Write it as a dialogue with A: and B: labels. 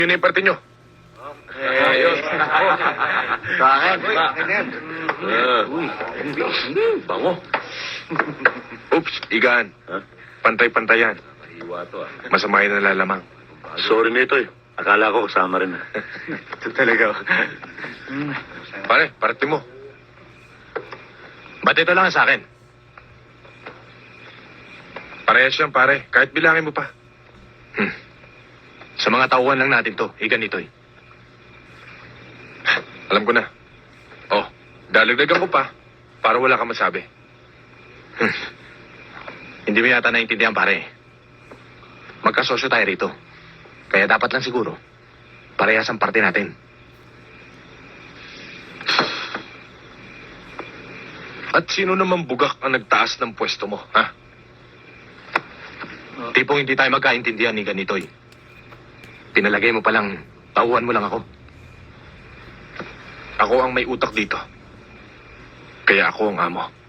A: Yun na yung parte nyo.
B: Ayos.
C: Sa akin. Sa akin yan.
B: Bango.
A: Oops, igaan.
B: Ha?
A: Pantay-pantayan.
B: Mahiwa to, ah.
A: Masama yung nalalamang.
B: Sorry nito, eh. Akala ko kasama rin.
A: Ito talaga. Pare, parte mo. Ba't ito lang sa akin? Parehas yan, pare. Kahit bilangin mo pa. Sa mga tauhan lang natin to. Ganito eh. Alam ko na. Oh, dalagdagan ko pa para wala kang masabi. Hindi mo yata naintindihan, pare. Magkasosyo tayo rito. Kaya dapat lang siguro, parehas ang parte natin. At sino naman bugak ang nagtaas ng pwesto mo, ha? Tipong hindi tayo magkaintindihan ni ganitoy. Pinalagay mo palang, tauhan mo lang ako. Ako ang may utak dito. Kaya ako ang amo.